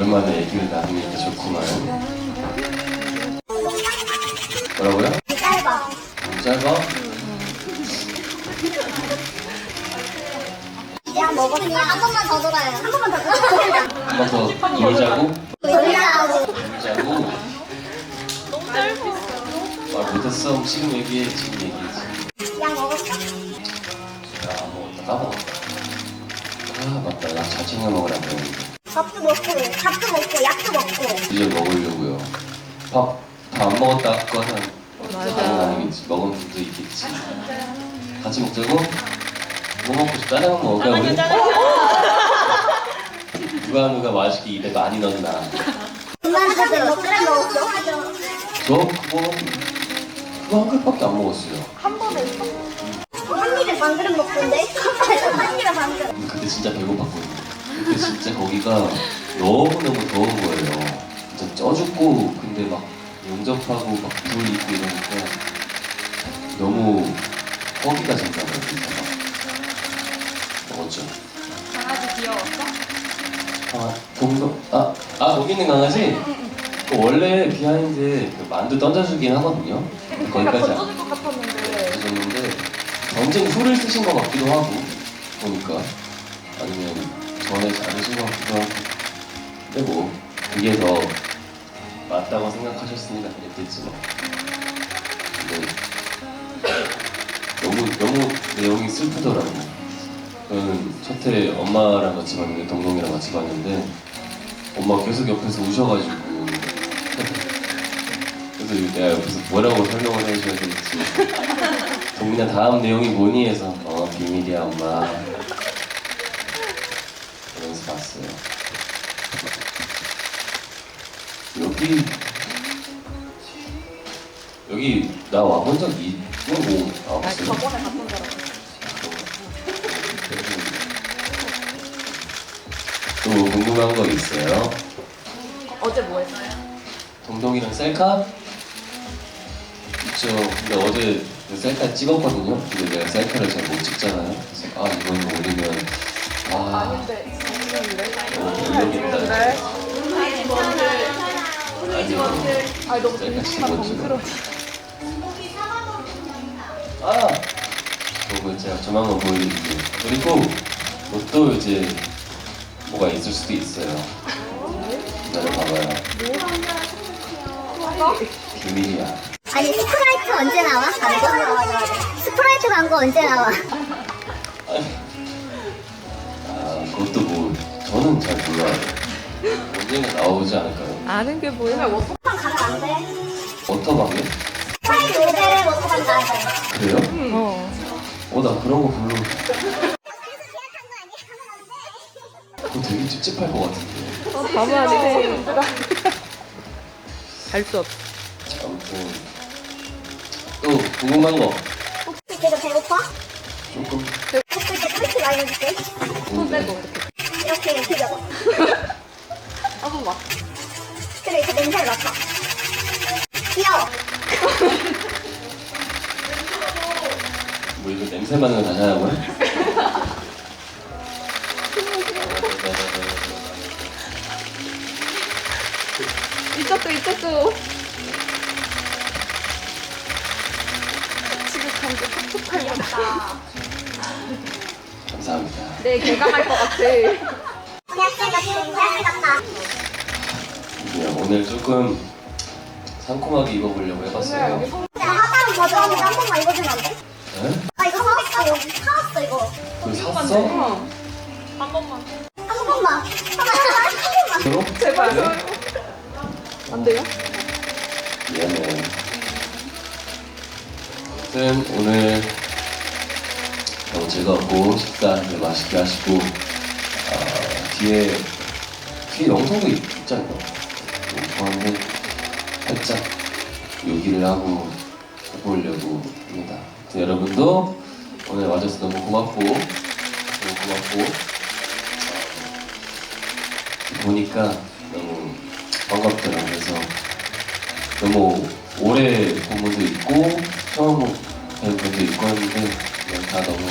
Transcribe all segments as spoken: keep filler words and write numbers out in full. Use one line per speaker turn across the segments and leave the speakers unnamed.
오랜만에 얘기를 나누니까 좋구만. 뭐라고요?
짧아.
짧아?
이제 한 먹었어. 한 번만 더 돌아요. 한 번만 더 돌아요.
한 번 더 놀자고?
돌자고.
놀자고?
너무 짧아.
말 못했어. 지금 얘기해. 지금 얘기해.
약 먹었어?
야, 먹었다. 까먹었다. 아, 맞다. 나 잘 챙겨 먹으라고 했는데.
밥도 먹고, 밥도 먹고, 약도 먹고.
이제 먹으려고요. 밥 다 안 먹었다 거는
맞아.
아니겠지. 먹은 분도 있겠지. 같이 먹자고? 뭐 먹고 싶다? 짜장면 먹을까 우리? 누가 누가 맛있게 입에 많이 넣나?
중간에 몇 그램 먹었어?
저 그거 그거 한 그릇밖에 안 먹었어요.
한 입에 반 그램 먹던데? 한 입에 반 그램.
그때 진짜 배고팠거든요. 그때 진짜 거기가 너무너무 더운 거예요. 진짜 쪄 죽고 근데 막 용접하고 막 불 있고 이러니까 너무 허기가 진짜요. 진짜 막 먹었죠.
강아지 귀여웠어?
아, 동동 아, 아 거기 있는 강아지? 그 원래 비하인드 그 만두 던져주긴 하거든요. 거기까지 안
던져줄 것 같았는데.
던졌는데 전쟁 후를 쓰신 것 같기도 하고 보니까 아니면 전에 잘하신 것 같기도 하고 근데 뭐 그게 더 맞다고 생각하셨으니까 그랬겠지 뭐. 근데 너무 너무 내용이 슬프더라고. 저는 첫회 엄마랑 같이 봤는데 동동이랑 같이 봤는데 엄마가 계속 옆에서 우셔가지고 그래서 내가 옆에서 뭐라고 설명을 해줘야 될지 동민아 다음 내용이 뭐니 해서 어 비밀이야 엄마 그러면서 봤어요. 여기 여기 나 와본 적 있고 아 없어요?
저번에 갔던 사람.
또 궁금한 거 있어요?
어제 뭐 했어요?
동동이랑 셀카? 있죠. 근데 어제 그 셀카 찍었거든요. 근데 내가 셀카를 잘 못 찍잖아요. 그래서 아 이건 올리면 아
아닌데 선생님이래?
너무 올리겠다. 아니요.
아 너무
셀카
진심만
찍었죠.
덩그러.
아! 그거 제가 조만간 보여드릴게요. 그리고 또 이제 뭐가 있을 수도 있어요. 기다려봐봐요. 비밀이야.
아니, 스프라이트 언제 나와? 광고? 스프라이트 광고 언제 나와?
아 그것도 뭐 저는 잘 몰라요. 언젠가 나오지 않을까요?
아는 게 뭐야?
워터방 가면 안 돼.
워터방에?
스프라이트 모델의 워터방 가야 돼.
그래요?
어.
어 나 그런 거 별로 그거 되게 찝찝할 것 같은데.
어, 가면 안 돼. 갈 수 없어.
아무튼 또 궁금한 거
혹시 되게 배고파?
조금
혹시 이렇게 그렇게 많이 해줄게.
손 빼고
있는데
이렇게.
이렇게 이렇게 잡아.
한 번만.
그래, 이렇게 냄새를 맡아. 귀여워.
뭐 이거 냄새 맡는 거 다시 하자고요?
이쪽도 이쪽도. 지극한 게 촉촉할 것 같다.
감사합니다.
내 개강할 것 같아.
대학생 같은, 대학생 같다.
네, 오늘 조금 상콤하게 입어보려고 해봤어요.
내가 하다는 버전인데 한 번만 입어주면 안 돼?
네?
아, 이거 사왔어. 여기 사왔어, 이거.
그거 샀어?
한 번만.
한 번만. 한 번만.
그럼?
제발.
네?
안 돼요?
미안해. 아무튼 오늘 너무 즐겁고 식사를 맛있게 하시고 아, 뒤에 뒤에 영상도 있잖아요. 영상인데 살짝 요기를 하고 해보려고 합니다. 아무튼 여러분도 오늘 와줘서 너무 고맙고 너무 고맙고 보니까 너무 반갑더라고요. 그래서 너무 오래 본 분도 있고 처음 뵌 분도 있고 했는데 그냥 다 너무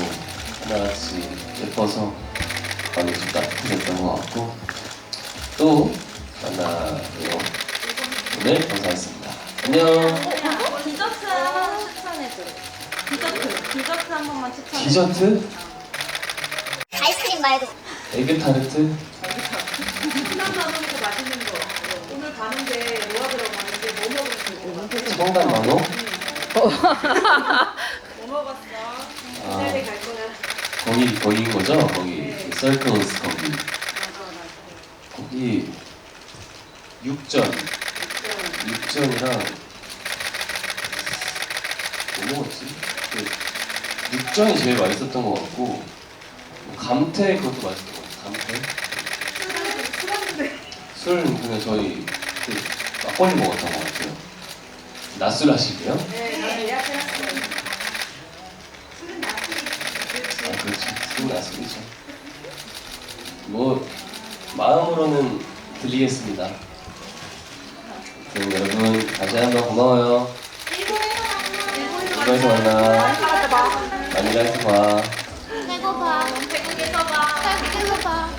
하나같이 예뻐서 마음이 좀 따뜻해졌던 것 같고 또 만나요. 오늘 감사했습니다. 안녕.
디저트 하나 추천해줘. 디저트, 디저트 한 번만 추천해.
디저트?
아이스크림 말고.
에그 타르트?
신난만원에서 맛있는 거. 오늘 가는데 뭐가 들어가는데 뭐 먹을 수 있어?
청담 만호?
뭐 먹었어?
아.
기다려 갈 거야.
거기 거기인 거죠? 거기 서클스 거기. 거기 육전. 육전이랑 뭐 먹었지? 그 육전이 제일 맛있었던 것 같고 감태 그것도 맛있었던 것 같아요. 감태? 술 그냥 저희 그 막걸리 먹었던 것 같아요. 낮술 하시고요?
네, 나는 예약해놨어.
아 그렇지. 술은 낮술이죠. 뭐 마음으로는 들리겠습니다. 그럼 여러분 다시 한번 고마워요. 일본에서 만나. 많이 가서 봐.
배고파.
태국에서 봐.
배고파.